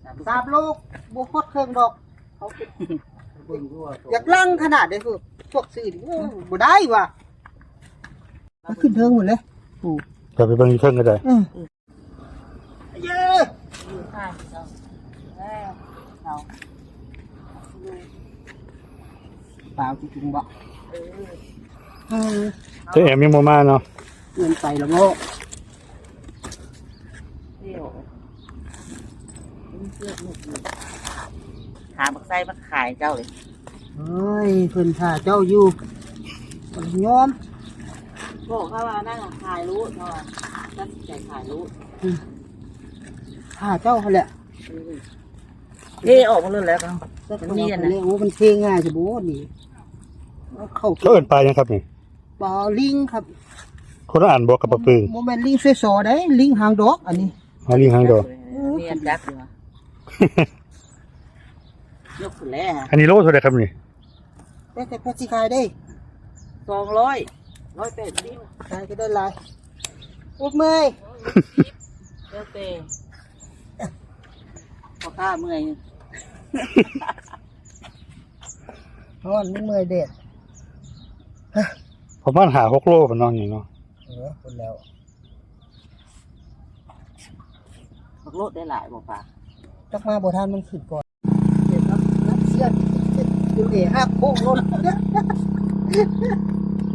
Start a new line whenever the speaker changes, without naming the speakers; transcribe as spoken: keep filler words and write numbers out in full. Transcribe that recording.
สามลูกบุคดเครื่องดอกเขาอยากลั่งขนาดเด้อคือพวกสื่อบ่ได้ว่ะขึ้นเทิงหมดเลยโอ้
จะไปเบิ่งอีกเครื่องก็ได้
เย้เปล่าจริงๆบ่เออ
เจะแอมยังบ่มาเนาะ
เงินไปแล้วโง่
หาบักไส้มาขายเจ้าเลย
เฮ้ยเพิ่นท่าเจ้าอยู่คนยอม
บอกเขาว่านั่งขายรู้เนาะตั้งใจขายรู้
ท่าเจ้าเขาแหละ
เทออกมาเลยแล้วกันมันมีอัน
นะ
นะ
โอ้มันเทง่ายจะบ่นี่เอาเข้า
เขาเอิ้นปลายังครับนี่
ปลาลิงครับ
คนละอ่านบ่กับปลาปึง
โมเมนลิงสวยๆได้ลิงหางดอกอันนี้
หาลิงหางดอก
มีอันจักอยู่ยกขึ้นแล้ว
อันนี้โลเท่าไหร่ครับนี่
แต่แต่พอสิขายได้
สองร้อยร้อยแปดสิบ
ขายก็ได้หลายอุบเมย
เจ้าเต้พอข้าเมื่อย
นอนมึงเมยเด็ด
ประมาณห้าหกโลปานนั้นนี่เนาะ
เออคนแล้ว
บักโลดได้หลายบอกป่า
จักมาบ่ทันมันขึ้นก่อนเห็นครับนักเสียดอยู่เอ๋หักโค้งรถ